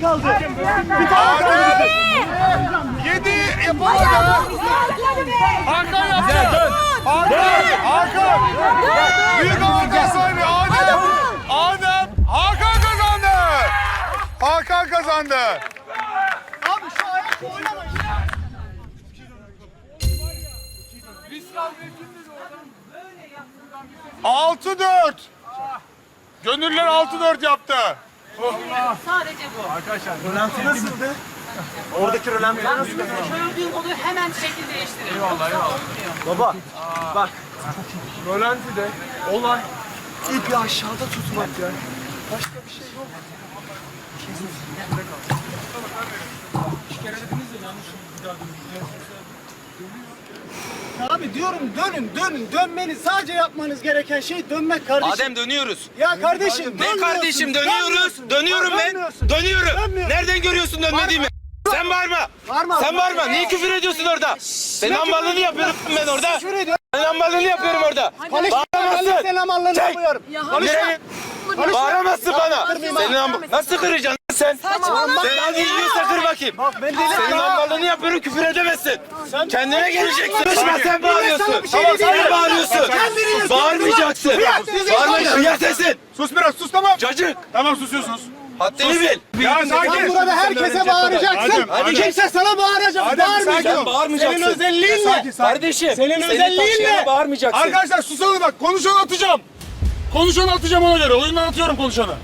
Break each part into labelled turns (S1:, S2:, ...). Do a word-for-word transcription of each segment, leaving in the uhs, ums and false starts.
S1: kaldı. Bir tane kaldı.
S2: Yedi yapamadı. Hakan yaptı. Hakan. Hakan. Büyük avantaj sahibi Adem. Adem. Hakan kazandı. Hakan kazandı.
S1: Abi şu ayakla oynama.
S2: Altı dört. Gönüller altı dört yaptı.
S3: Sadece bu.
S1: Rölanti nasıldı? Oradaki rölanti nasıldı?
S3: Gördüğüm oluyor hemen şekil değiştirir.
S1: Eyvallah eyvallah. Baba bak. Rölanti'de olay ipi aşağıda tutmak ya. Başka bir şey yok. Abi diyorum dönün dönün dönmeniz sadece yapmanız gereken şey dönmek kardeşim.
S4: Adem dönüyoruz.
S1: Ya kardeşim
S4: Ne
S1: dönmüyorsun,
S4: kardeşim dönüyoruz.
S1: dönmüyorsun.
S4: Dönüyorum
S1: Bak,
S4: ben.
S1: dönmüyorsun.
S4: Dönüyorum.
S1: Dönmüyorsun.
S4: Nereden görüyorsun dönmediğimi? Sen bağırma.
S1: Bağırma.
S4: Sen bağırma. Niye küfür ediyorsun orada? Senin amballığını yapıyorum ben orada.
S1: Küfür ediyorum.
S4: Senin amballığını yapıyorum orada.
S1: Konuşma ben
S4: Bağıramazsın.
S1: senin amallığını
S4: Çek.
S1: yapıyorum.
S4: Nereye? Bağıramazsın bana. Senin amb- Nasıl kıracaksın sen? Sen hadi yiyorsa kır bakayım.
S1: Bak ben dedim
S4: Senin
S1: ya.
S4: amballığını yapıyorum küfür edemezsin. Kendine geleceksin. Konuşma sen bağırıyorsun.
S1: sana bir şey
S4: Tamam
S1: diyeyim.
S4: sen bağırıyorsun.
S1: Kendini
S4: Bağırmayacaksın. Bağırmayacaksın. Duyar sesin.
S2: Sus biraz sus tamam.
S4: Çocuk.
S2: Tamam susuyorsunuz.
S4: Haddini bil.
S2: Ya
S1: Sen
S2: sakin.
S1: burada herkese bağıracaksın.
S2: Adem, Adem.
S1: Kimse sana bağıracak.
S2: Adem,
S1: Bağırmayacak.
S2: sakin ol.
S4: Bağırmayacaksın.
S1: Senin özelliğin
S2: Sakin
S1: ne?
S2: sakin.
S4: Kardeşim.
S1: Senin özelliğin
S4: taşıyana
S1: ne?
S4: bağırmayacaksın.
S2: Arkadaşlar susalım bak. Konuşanı atacağım. Konuşanı atacağım ona göre. Oyundan atıyorum konuşanı.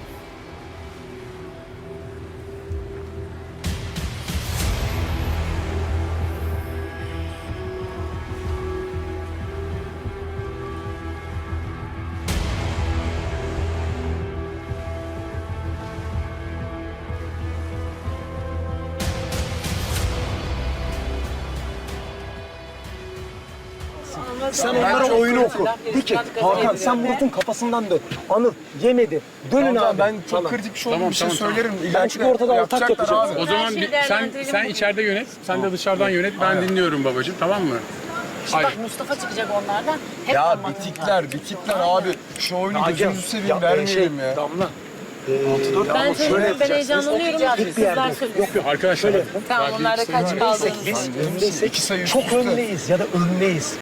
S1: Sen onlara oyunu oku. De ki Hakan sen Murat'ın kafasından dön. Anıl yemedi. Dönün abi. Ben çok kritik bir şey oldu. Bir şey söylerim. Ben çünkü ortada atak yapacağım.
S5: O zaman
S3: Her şeyi
S5: bir, sen
S3: değerlendirelim.
S5: sen içeride yönet, sen de dışarıdan yönet. Ben dinliyorum babacığım, tamam mı?
S3: Bak Mustafa çıkacak onlardan. Hep
S6: Ya
S3: parmakla.
S6: bitikler, bitikler abi. Şu oyunu
S1: Hakem,
S6: gözünüzü seveyim
S1: ya,
S6: vermeyelim
S1: şey,
S6: ya.
S1: Damla.
S3: Ben söylüyorum, ben heyecanlanıyorum.
S1: Hep bir yerde.
S3: Sizler söyleyin.
S5: Arkadaşlar,
S3: Tamam, onlar da kaç kaldığınız.
S1: Biz öndeysek
S6: İki sayı üst
S1: çok
S6: üste.
S1: öndeyiz ya da öndeyiz.